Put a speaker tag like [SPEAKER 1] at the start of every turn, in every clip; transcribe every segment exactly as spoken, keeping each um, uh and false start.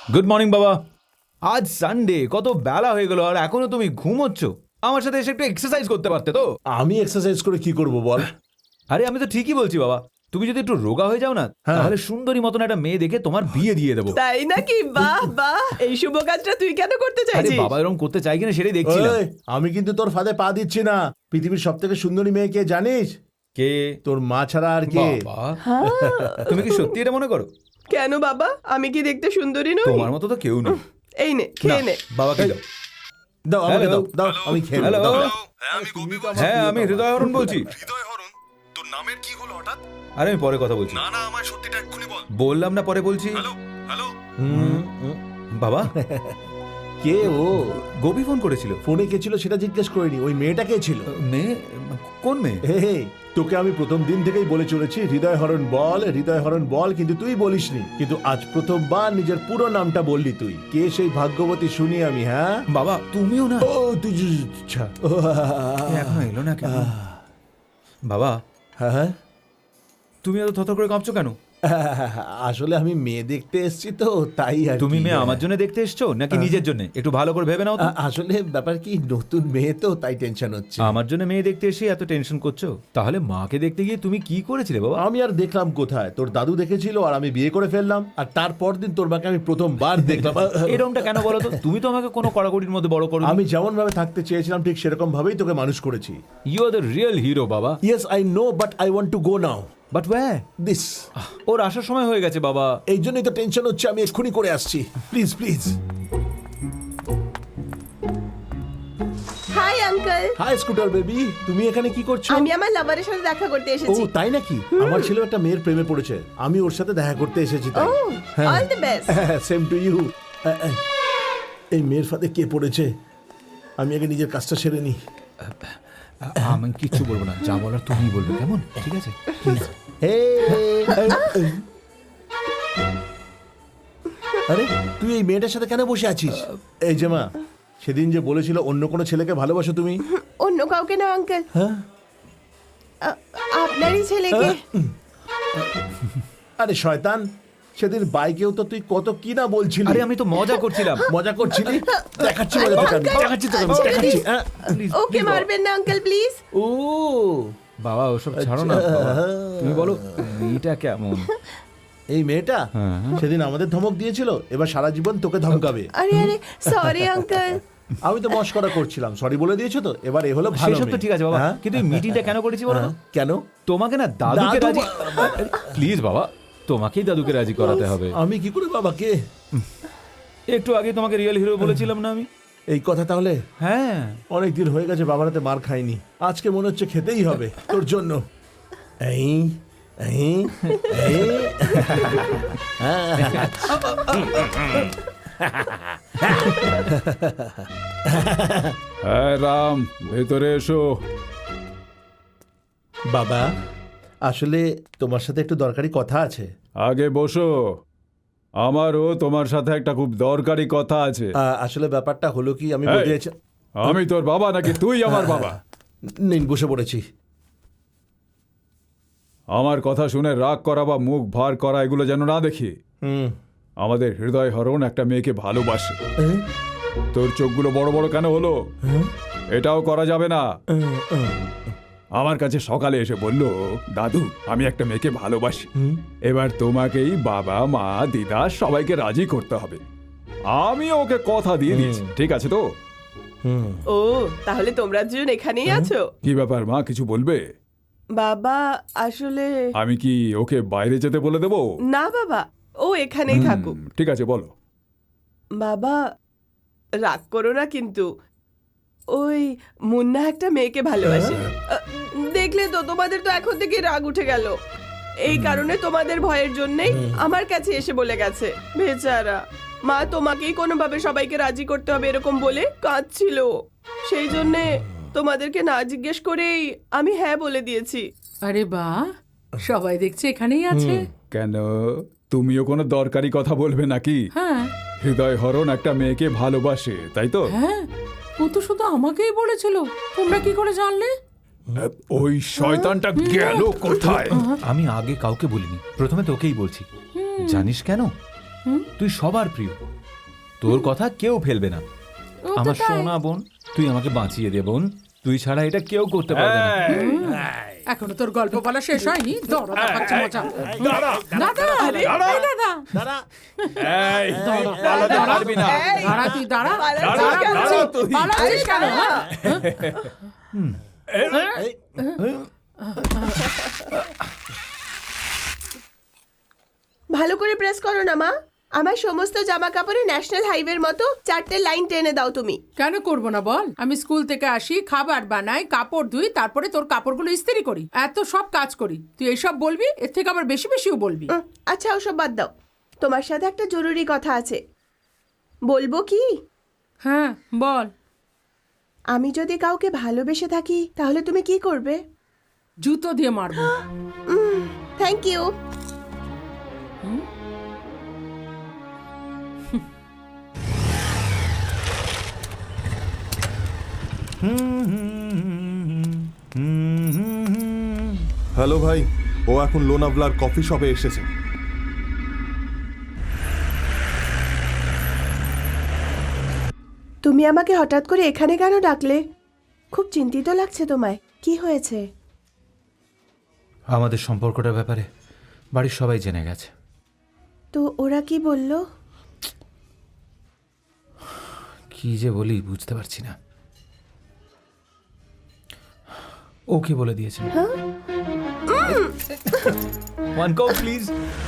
[SPEAKER 1] Good morning বাবা। আজ Sunday, কত বেলা হয়ে গেল আর এখনো তুমি ঘুমোচ্ছ। আমার সাথে এসে একটু এক্সারসাইজ করতে পারতে তো।
[SPEAKER 2] আমি এক্সারসাইজ করে কি করব বল?
[SPEAKER 1] আরে আমি তো ঠিকই বলছি বাবা, তুমি যদি একটু রোগা হয়ে যাও না তাহলে সুন্দরী মতন একটা মেয়ে দেখে তোমার বিয়ে দিয়ে দেবো।
[SPEAKER 3] তাই নাকি? বাহ বাহ, এই শুভ কাজটা তুই কেন করতে
[SPEAKER 1] আরে
[SPEAKER 3] চাইছিস?
[SPEAKER 1] বাবা এরকম করতে চাই কিনা সেটাই দেখছিলাম।
[SPEAKER 2] ওই, আমি কিন্তু তোর ফাঁদে পা দিচ্ছি না। পৃথিবীর সব থেকে সুন্দরী মেয়ে কে জানিস?
[SPEAKER 1] কে?
[SPEAKER 2] তোর মা ছাড়া আর কে?
[SPEAKER 1] বাবা তুমি কি সত্যি এটা মনে করো?
[SPEAKER 3] কেন বাবা, আমি কি দেখতে সুন্দরী নই?
[SPEAKER 1] তোমার মতো তো কেউ নেই।
[SPEAKER 3] এই নে, খেয়ে নে।
[SPEAKER 1] বাবাকে দাও।
[SPEAKER 2] দাও আমাকে
[SPEAKER 1] Hello?
[SPEAKER 2] দাও, দাও আমি খেয়ে নেবো,
[SPEAKER 1] হ্যালো,
[SPEAKER 2] দাও।
[SPEAKER 4] হ্যাঁ আমি গোপী বলছি।
[SPEAKER 1] হ্যাঁ আমি হৃদয় হরণ বলছি।
[SPEAKER 4] হৃদয় হরণ, তোর নামের কি হলো হঠাৎ?
[SPEAKER 1] আরে আমি পরে কথা বলছি।
[SPEAKER 4] না না আমার সত্যিটা এক্ষুনি বল।
[SPEAKER 1] বললাম না পরে বলছি।
[SPEAKER 4] হ্যালো হ্যালো
[SPEAKER 2] হুম, হুম।
[SPEAKER 1] বাবা
[SPEAKER 2] কে ও?
[SPEAKER 1] গোপী ফোন করেছিল।
[SPEAKER 2] ফোনে কে ছিল সেটা জিজ্ঞেস করিনি। ওই মেয়েটা কে ছিল?
[SPEAKER 1] মেয়ে? কোন মেয়ে?
[SPEAKER 2] হে হে, তোকে আমি প্রথম দিন থেকেই বলে চলেছি হৃদয় হরণ বল, হৃদয় হরণ বল, কিন্তু তুই বলিসনি। কিন্তু আজ প্রথমবার নিজের পুরো নামটা বললি তুই। কে সেই ভাগ্যবতী শুনি আমি? হ্যাঁ
[SPEAKER 1] বাবা তুমিও না।
[SPEAKER 2] ও তুই জ- আচ্ছা। ও,
[SPEAKER 1] এ এখনো এলো না কেন? বাবা
[SPEAKER 2] হ্যাঁ হ্যাঁ।
[SPEAKER 1] তুমি এত থরথর করে কাঁপছো কেন?
[SPEAKER 2] আসলে আমি মেয়ে দেখতে এসেছি তো তাই আর
[SPEAKER 1] তুমি
[SPEAKER 2] কি।
[SPEAKER 1] মেয়ে আমার জন্য দেখতে এসছো নাকি নিজের জন্য? একটু ভালো করে ভেবে নাও তো।
[SPEAKER 2] আ- আসলে ব্যাপার কি, নতুন মেয়ে তো তাই টেনশন হচ্ছে।
[SPEAKER 1] আমার জন্য মেয়ে দেখতে এসে এত টেনশন করছো? তাহলে মাকে দেখতে গিয়ে তুমি কি করেছিলে বাবা?
[SPEAKER 2] আমি আর দেখলাম কোথায়, তোর দাদু দেখেছিল আর আমি বিয়ে করে ফেললাম। আর তারপর দিন তোর মাকে আমি প্রথমবার দেখলাম।
[SPEAKER 1] এরকমটা কেন বলো তো? তুমি তো আমাকে কোনো কড়াকড়ির মধ্যে বড় করো।
[SPEAKER 2] আমি যেমন ভাবে থাকতে চেয়েছিলাম ঠিক সেরকম ভাবেই তোকে মানুষ করেছি।
[SPEAKER 1] You are the real hero বাবা।
[SPEAKER 2] Yes I know, but I want to go now.
[SPEAKER 1] But where?
[SPEAKER 2] দিস
[SPEAKER 1] ওর আসার সময় হয়ে গেছে বাবা।
[SPEAKER 2] এই জন্যই তো টেনশন হচ্ছে, আমি এক্ষুনি করে আসছি। Please please.
[SPEAKER 3] Hi uncle,
[SPEAKER 2] hi scooter baby, তুমি এখানে কি করছো?
[SPEAKER 3] আমি আমার লাভারের সাথে দেখা করতে
[SPEAKER 2] ও
[SPEAKER 3] এসেছি।
[SPEAKER 2] তাই নাকি? আমার ছেলে একটা মেয়ের প্রেমে পড়েছে, আমি ওর সাথে দেখা করতে এসেছি
[SPEAKER 3] ও,
[SPEAKER 2] তাই।
[SPEAKER 3] All the best.
[SPEAKER 2] Same to you. এই মেয়ের ফাঁদে কে পড়েছে? আমি আগে নিজের কাজটা সেরে নি।
[SPEAKER 1] আমি কিচ্ছু বলবো না, যা বলার তুমি বলবে, কেমন? ঠিক আছে?
[SPEAKER 2] আরে তুই এই মেয়েটার সাথে কেন বসে আছিস? এই যে মা, সেদিন যে বলেছিল অন্য কোনো ছেলেকে ভালোবাসো তুমি।
[SPEAKER 3] অন্য কাউকে না আঙ্কেল,
[SPEAKER 2] হ্যাঁ?
[SPEAKER 3] আপনারই ছেলেকে।
[SPEAKER 2] আরে শয়তান, সেদিন বাইকেও তো তুই কত কি না বলছিলি।
[SPEAKER 1] আরে আমি তো মজা করছিলাম।
[SPEAKER 2] মজা করছিলি? দেখাচ্ছি মজা তোকে আমি, দেখাচ্ছি তোকে আমি, দেখাচ্ছি। হ্যাঁ?
[SPEAKER 1] Please,
[SPEAKER 3] ওকে
[SPEAKER 1] please, বাবা।
[SPEAKER 3] মারবেন না আঙ্কেল প্লিজ।
[SPEAKER 2] ও
[SPEAKER 1] বাবা ওসব ছাড়ো না বাবা। তুমি বলো মেয়েটা কেমন?
[SPEAKER 2] এই মেয়েটা
[SPEAKER 1] হ্যাঁ।
[SPEAKER 2] সেদিন আমাদের ধমক দিয়েছিল, এবার সারা জীবন তোকে ধমকাবে।
[SPEAKER 3] আরে আরে সরি আঙ্কেল।
[SPEAKER 2] আমি তো মস্করা করছিলাম, সরি বলে দিয়েছো তো, এবার এ হলো ভালো
[SPEAKER 1] সেসব তো
[SPEAKER 2] মেয়ে।
[SPEAKER 1] ঠিক আছে বাবা,
[SPEAKER 2] হ্যাঁ?
[SPEAKER 1] কিন্তু এই মিটিংটা কেন করেছি বলো তো?
[SPEAKER 2] হ্যাঁ, কেন?
[SPEAKER 1] তোমাকে না দাদুকে
[SPEAKER 2] দাদু
[SPEAKER 1] রাজি, প্লিজ বাবা তোমাকেই দাদুকে রাজি করাতে হবে।
[SPEAKER 2] আমি কি করে বাবাকে?
[SPEAKER 1] একটু আগে তোমাকে রিয়েল হিরো বলেছিলাম না আমি?
[SPEAKER 2] এই কথা তাহলে
[SPEAKER 1] হ্যাঁ।
[SPEAKER 2] অনেক দিন হয়ে গেছে বাবার হাতে মার খাইনি, আজকে মনে হচ্ছে খেতেই হবে তোর জন্য। এই এই এই।
[SPEAKER 5] হ্যাঁ রাম, ভেতরে এসো।
[SPEAKER 2] বাবা আসলে তোমার সাথে একটু দরকারি কথা আছে।
[SPEAKER 5] আগে বসো, আমারও তোমার সাথে একটা খুব দরকারি কথা আছে।
[SPEAKER 2] আহ, আসলে ব্যাপারটা হলো কি, আমি
[SPEAKER 5] এই,
[SPEAKER 2] বলতে চাইছি-
[SPEAKER 5] আমি তোর বাবা নাকি তুই আমার বাবা?
[SPEAKER 2] নিন বসে পড়েছি।
[SPEAKER 5] আমার কথা শুনে রাগ করা বা মুখ ভার করা এগুলো যেন না দেখি।
[SPEAKER 2] হুম।
[SPEAKER 5] আমাদের হৃদয় হরণ একটা মেয়েকে ভালোবাসে। তোর চোখগুলো বড় বড় কেন হলো? এটাও করা যাবে না। আমার কাছে সকালে এসে বলল, দাদু আমি একটা মেয়েকে ভালোবাসি, এবার তোমাকেই বাবা মা দিদা সবাইকে রাজি করতে হবে। আমি ওকে কথা দিয়ে দিয়েছি, ঠিক আছে তো?
[SPEAKER 2] হুম।
[SPEAKER 3] ও তাহলে তোমরা দুজন এখানেই আছো?
[SPEAKER 5] কি ব্যাপার মা, কিছু বলবে?
[SPEAKER 3] বাবা আসলে
[SPEAKER 5] আমি কি ওকে বাইরে যেতে বলে দেবো?
[SPEAKER 3] না বাবা, ও এখানেই থাকুক।
[SPEAKER 5] হুম, ঠিক আছে বলো।
[SPEAKER 3] বাবা রাগ করো না কিন্তু, ওই মুন্না একটা মেয়েকে ভালোবাসে। আহ, দেখলে তো, তোমাদের তো এখন থেকে রাগ উঠে গেল। এই কারণে তোমাদের ভয়ের জন্যই আমার কাছে এসে বলে গেছে। বেচারা মা তোমাকেই কোনোভাবে সবাইকে রাজি করতে হবে এরকম বলে কাঁদছিল। সেই জন্যে তোমাদেরকে না জিজ্ঞেস করেই আমি হ্যাঁ বলে দিয়েছি।
[SPEAKER 6] আরে বাহ, সবাই দেখছে এখানেই আছে।
[SPEAKER 5] কেন, তুমিও কোনো দরকারি কথা বলবে নাকি?
[SPEAKER 6] হ্যাঁ
[SPEAKER 5] হৃদয় হরণ একটা মেয়েকে ভালোবাসে, তাই তো?
[SPEAKER 6] হ্যাঁ, ও তো শুধু আমাকেই বলেছিল, তোমরা কি করে জানলে?
[SPEAKER 5] ওই শয়তানটা গেল কোথায়?
[SPEAKER 1] আমি আগে কাউকে বলিনি, প্রথমে তোকেই বলছি। জানিস কেন? তুই সবার প্রিয়, তোর কথা কেউ ফেলবে না।
[SPEAKER 6] ও তো
[SPEAKER 1] আমার
[SPEAKER 6] তাই।
[SPEAKER 1] সোনা বোন, তুই আমাকে বাঁচিয়ে দে বোন, তুই ছাড়া এটা কেউ করতে পারবে না।
[SPEAKER 6] এখনো তোর গল্প বলা শেষ হয়নি, দরদ দেখাচ্ছে মজা। দাদা, এই দাদা,
[SPEAKER 5] এই, পালাতে পারবি না।
[SPEAKER 6] দাঁড়া তুই দাঁড়া,
[SPEAKER 3] পালাচ্ছিস
[SPEAKER 6] দাঁড়া
[SPEAKER 3] কেন?
[SPEAKER 6] বলছি,
[SPEAKER 5] তুই।
[SPEAKER 6] পালাচ্ছিস কেন, হ্যাঁ?
[SPEAKER 3] ভালো করে প্রেস করো না মা। আমার সমস্ত জামা কাপড়ে ন্যাশনাল হাইওয়ের মতো চারটে লাইন টেনে দাও তুমি।
[SPEAKER 6] কেন করবো না বল? আমি স্কুল থেকে আসি, খাবার বানাই, কাপড় ধুই, তারপরে তোর কাপড়গুলো ইস্ত্রি করি, এত সব কাজ করি। তুই এইসব বলবি, এর থেকে আবার বেশি বেশিও বলবি।
[SPEAKER 3] উম, আচ্ছা ওসব বাদ দাও, তোমার সাথে একটা জরুরি কথা আছে। বলবো কি?
[SPEAKER 6] হ্যাঁ বল।
[SPEAKER 3] আমি যদি কাউকে ভালোবেসে থাকি তাহলে তুমি কি করবে?
[SPEAKER 6] জুতো দিয়ে মারবো।
[SPEAKER 3] Thank you.
[SPEAKER 4] হ্যালো ভাই, ও এখন লোনাভলার কফি শপে এসেছে।
[SPEAKER 3] তুমি আমাকে হঠাৎ করে এখানে কেন ডাকলে? খুব চিন্তিত লাগছে তোমায়, কি হয়েছে?
[SPEAKER 1] আমাদের সম্পর্কটার ব্যাপারে বাড়ির সবাই জেনে গেছে।
[SPEAKER 3] তো ওরা কি বললো?
[SPEAKER 1] কি যে বলি বুঝতে পারছি না। ও কি বলে দিয়েছে? One cup please.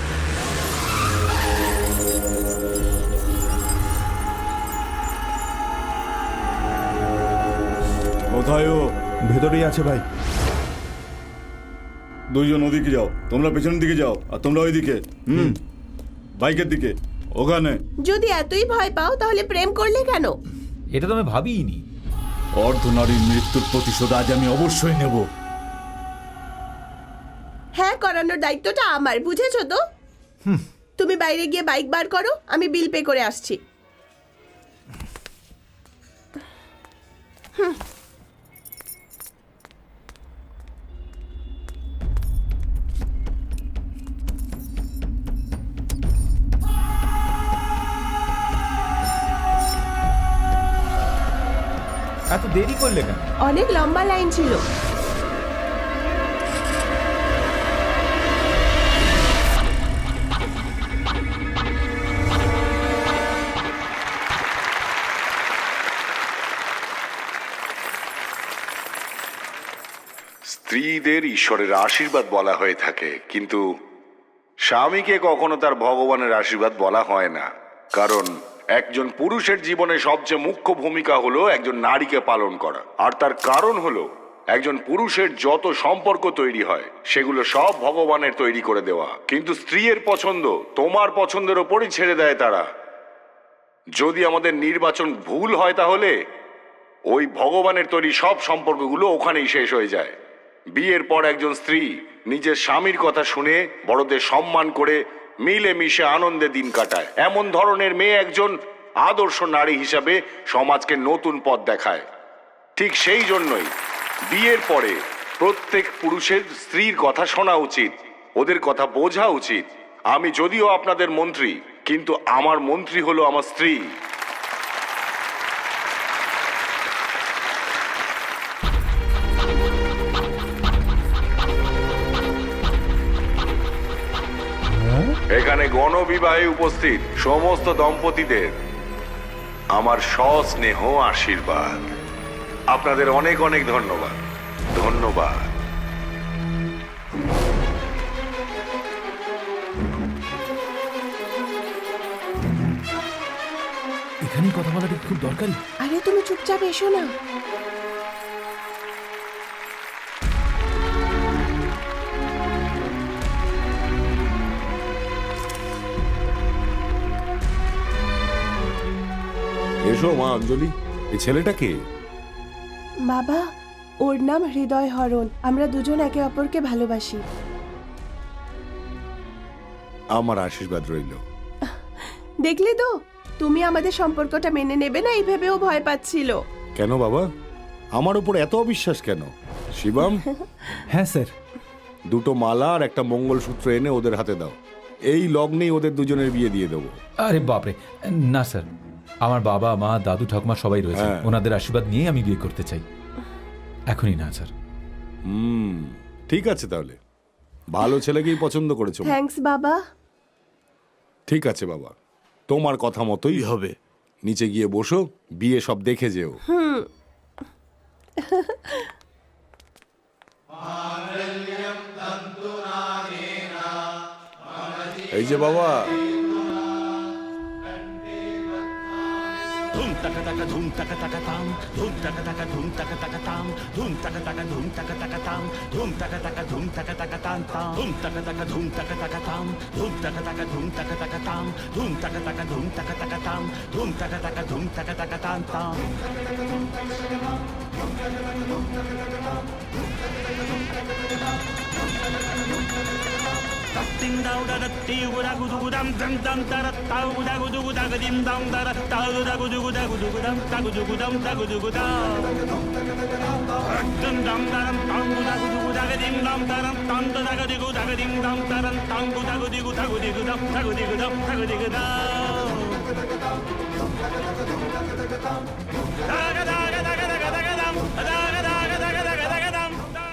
[SPEAKER 7] কোথায় ও?
[SPEAKER 2] ভেতরেই আছে ভাই।
[SPEAKER 7] দুইজন ওদিকে যাও, তোমরা পেছনের দিকে যাও, আর তোমরা ওইদিকে, হুম বাইকের দিকে, ওখানে।
[SPEAKER 3] যদি এতই ভয় পাও তাহলে প্রেম করলে কেন?
[SPEAKER 1] এটা তো আমি ভাবিনি।
[SPEAKER 7] অর্ধনারীর মৃত্যুর প্রতিশোধ আজ আমি অবশ্যই নেব।
[SPEAKER 3] হ্যাঁ, করানোর দায়িত্বটা আমার, বুঝেছো তো? তুমি বাইরে গিয়ে বাইক বার করো, আমি বিল পে করে আসছি।
[SPEAKER 1] এত দেরি করলে কেন?
[SPEAKER 3] অনেক লম্বা লাইন ছিল।
[SPEAKER 8] স্ত্রীদের ঈশ্বরের আশীর্বাদ বলা হয়ে থাকে, কিন্তু স্বামীকে কখনো তার ভগবানের আশীর্বাদ বলা হয় না। কারণ একজন পুরুষের জীবনে সবচেয়ে মুখ্য ভূমিকা হলো একজন নারীকে পালন করা। আর তার কারণ হলো একজন পুরুষের যত সম্পর্ক তৈরি হয় সেগুলো সব ভগবানের তৈরি করে দেওয়া, কিন্তু স্ত্রীর পছন্দ তোমার পছন্দের ওপরই ছেড়ে দেয় তারা। যদি আমাদের নির্বাচন ভুল হয় তাহলে ওই ভগবানের তৈরি সব সম্পর্কগুলো ওখানেই শেষ হয়ে যায়। বিয়ের পর একজন স্ত্রী নিজের স্বামীর কথা শুনে বড়দের সম্মান করে মিলে মিশে আনন্দে দিন কাটায়। এমন ধরনের মেয়ে একজন আদর্শ নারী হিসাবে সমাজকে নতুন পথ দেখায়। ঠিক সেই জন্যই বিয়ের পরে প্রত্যেক পুরুষের স্ত্রীর কথা শোনা উচিত, ওদের কথা বোঝা উচিত। আমি যদিও আপনাদের মন্ত্রী, কিন্তু আমার মন্ত্রী হলো আমার স্ত্রী। এখানে গণবিবাহে উপস্থিত সমস্ত দম্পতিদের আমার সস্নেহ আশীর্বাদ। আপনাদের অনেক অনেক ধন্যবাদ। ধন্যবাদ।
[SPEAKER 1] এখানেই কথা বলাটা খুব দরকারি।
[SPEAKER 3] আরে তুমি চুপচাপ এসো না।
[SPEAKER 4] এসো মা অঞ্জলি, এই ছেলেটা কে?
[SPEAKER 3] বাবা, ওর নাম হৃদয় হরণ। আমরা দুজন একে অপরকে ভালোবাসি।
[SPEAKER 4] আমার আশীর্বাদ রইল।
[SPEAKER 3] দেখলে তো, তুমি আমাদের সম্পর্কটা মেনে নেবে না এই ভেবেও ভয় পাচ্ছিল।
[SPEAKER 4] কেন বাবা, আমার উপর এত অবিশ্বাস কেন? শিবম,
[SPEAKER 1] হ্যাঁ স্যার।
[SPEAKER 4] দুটো মালা আর একটা মঙ্গলসূত্র এনে ওদের হাতে দাও।
[SPEAKER 8] এই লগ্নেই ওদের দুজনের বিয়ে দিয়ে দেবো।
[SPEAKER 1] আরে বাপরে, না স্যার, আমার বাবা মা দাদু ঠাকুমা সবাই রয়েছে,
[SPEAKER 8] হ্যাঁ।
[SPEAKER 1] ওনাদের আশীর্বাদ নিয়েই আমি বিয়ে করতে চাই। এখনই না স্যার।
[SPEAKER 8] হুম, ঠিক আছে তাহলে, ভালো ছেলেকেই পছন্দ করেছো।
[SPEAKER 3] থ্যাঙ্কস বাবা।
[SPEAKER 8] ঠিক আছে বাবা, তোমার কথা মতোই হবে। নিচে গিয়ে বসো, বিয়ে সব দেখে যেও। এই যে বাবা,
[SPEAKER 9] ধুম টাকা টাকা ধুম টাকা টাকা তাম ধুম টাকা টাকা ধুম টাকা টাকা তাম ধুম টাকা টাকা ধুম টাকা টাকা তাম ধুম টাকা টাকা ধুম টাকা টাকা তাম তাম ধুম টাকা টাকা ধুম টাকা টাকা তাম ধুম টাকা টাকা ধুম টাকা টাকা তাম ধুম টাকা টাকা ধুম টাকা টাকা তাম ধুম টাকা টাকা ধুম টাকা টাকা তাম তাম Ding dong da da dee gu da gu du gu dam dam dam da da da gu da gu du gu da gu dim dong da da da gu da gu du gu da gu du gu dam da gu du gu dam da gu du gu da dum dam da dam dang gu da gu du gu da gu dim dam da dam dang da gu di gu da gu dim dam da dam dang gu da gu di gu da gu di gu dam da gu di gu dam da gu di gu da da ga da ga da ga da ga da ga dam da